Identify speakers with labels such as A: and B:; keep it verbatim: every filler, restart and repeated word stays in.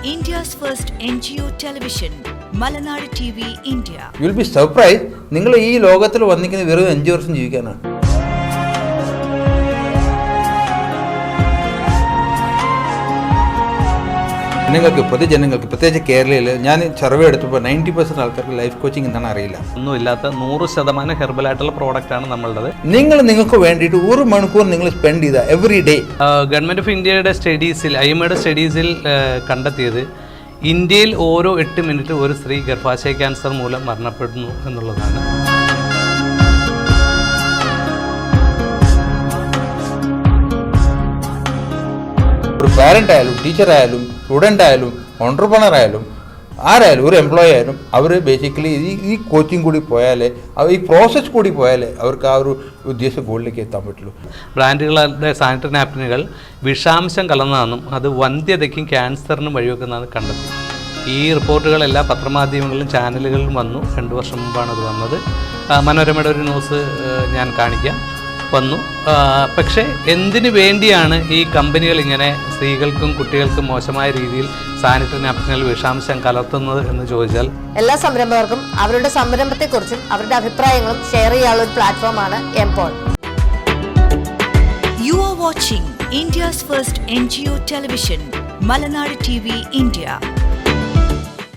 A: India's first N G O television, Malanad T V India.
B: You will be surprised. നിങ്ങൾ ഈ ലോകത്തിൽ വന്നിരിക്കുന്നത് വെറും അഞ്ച് വർഷം ജീവിക്കാനാണ്. ജനങ്ങൾക്ക് പൊതുജനങ്ങൾക്ക് പ്രത്യേകിച്ച് കേരളയിൽ ഞാൻ സർവേ എടുത്തപ്പോൾ നയൻറ്റി പെർസെൻറ്റ് ആൾക്കാർക്ക് ലൈഫ് കോച്ചിങ് എന്താണ് അറിയില്ല.
C: ഒന്നുമില്ലാത്ത നൂറ് ശതമാനം ഹെർബലായിട്ടുള്ള പ്രോഡക്റ്റാണ് നമ്മളുടേത്.
B: നിങ്ങൾ നിങ്ങൾക്ക് വേണ്ടിയിട്ട് ഒരു മണിക്കൂർ നിങ്ങൾ സ്പെൻഡ് ചെയ്ത എവറി ഡേ.
C: ഗവൺമെൻറ് ഓഫ് ഇന്ത്യയുടെ സ്റ്റഡീസിൽ ഐ എം എയുടെ സ്റ്റഡീസിൽ കണ്ടെത്തിയത് ഇന്ത്യയിൽ ഓരോ എട്ട് മിനിറ്റ് ഒരു സ്ത്രീ ഗർഭാശയ ക്യാൻസർ മൂലം മരണപ്പെടുന്നു എന്നുള്ളതാണ്.
B: ഒരു പാരൻ്റ് ആയാലും ടീച്ചർ ആയാലും സ്റ്റുഡൻ്റ് ആയാലും ഓൺട്രപ്രണർ ആയാലും ആരായാലും ഒരു എംപ്ലോയി ആയാലും അവർ ബേസിക്കലി ഈ ഈ കോച്ചിങ് കൂടി പോയാലേ ഈ പ്രോസസ്സ് കൂടി പോയാലേ അവർക്ക് ആ ഒരു ഉദ്ദേശ ഗോളിലേക്ക് എത്താൻ പറ്റുള്ളൂ.
C: ബ്രാൻഡുകളുടെ സാനിറ്ററി നാപ്കിനുകൾ വിഷാംശം കലർന്നതാണെന്നും അത് വന്ധ്യതയ്ക്കും ക്യാൻസറിനും വഴിവെക്കുന്നതാണ് കണ്ടെത്തി. ഈ റിപ്പോർട്ടുകൾ എല്ലാ പത്രമാധ്യമങ്ങളിലും ചാനലുകളിലും വന്നു. രണ്ട് വർഷം മുമ്പാണ് അത് വന്നത്. മനോരമയുടെ ഒരു ന്യൂസ് ഞാൻ കാണിക്കാം വന്നു. പക്ഷേ എന്തിനു വേണ്ടിയാണ് ഈ കമ്പനികൾ ഇങ്ങനെ സ്ത്രീകൾക്കും കുട്ടികൾക്കും മോശമായ രീതിയിൽ സാനിറ്ററി നാപ്കിനുകൾ വിഷാംശം കലർത്തുന്നത് എന്ന് ചോദിച്ചാൽ,
D: എല്ലാ സംരംഭകർക്കും അവരുടെ സംരംഭത്തെക്കുറിച്ചും അവരുടെ അഭിപ്രായങ്ങളും ഷെയർ ചെയ്യാനുള്ള ഒരു പ്ലാറ്റ്ഫോമാണ് എംപോൾ.
A: You are watching India's first N G O television, Malanad T V India.